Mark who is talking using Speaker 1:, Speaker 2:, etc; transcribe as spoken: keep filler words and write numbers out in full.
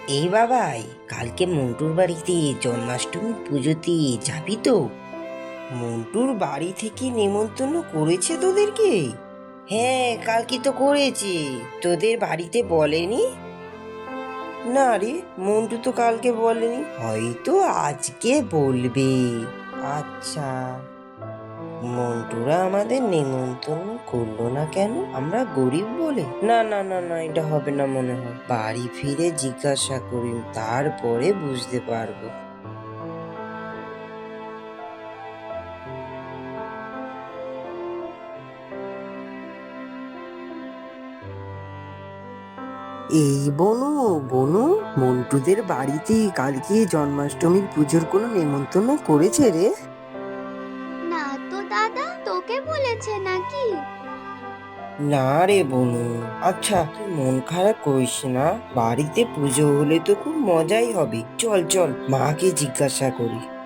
Speaker 1: এই বাবাই, কালকে মন্টুর বাড়িতে জন্মাষ্টমী পুজোতে যাবি তো? মন্টুর বাড়ি থেকে নেমন্তন্ন করেছে তোদেরকে? হ্যাঁ, কালকে তো করেছে। তোদের বাড়িতে বলেনি? না রে, মন্টু তো কালকে বলেনি, হয়তো আজকে বলবে। আচ্ছা, মন্টুরা আমাদের নেমন্তন্ন করলো না কেন? আমরা গরিব বলে? না না না না, এটা হবে না মনে হয়। বাড়ি ফিরে জিজ্ঞাসা করি, তারপরে বুঝতে পারবো। এই বনু, বনু, মন্টুদের বাড়িতে কালকে জন্মাষ্টমীর পুজোর কোনো নেমন্তন্ন করেছে রে?
Speaker 2: না তো দাদা, তোকে বলেছে নাকি?
Speaker 1: না রে বনু। আচ্ছা, তুই মন খারাপ করিস না, বাড়িতে পুজো হলে তো খুব মজাই হবে। চল চল, মাকে জিজ্ঞাসা করি।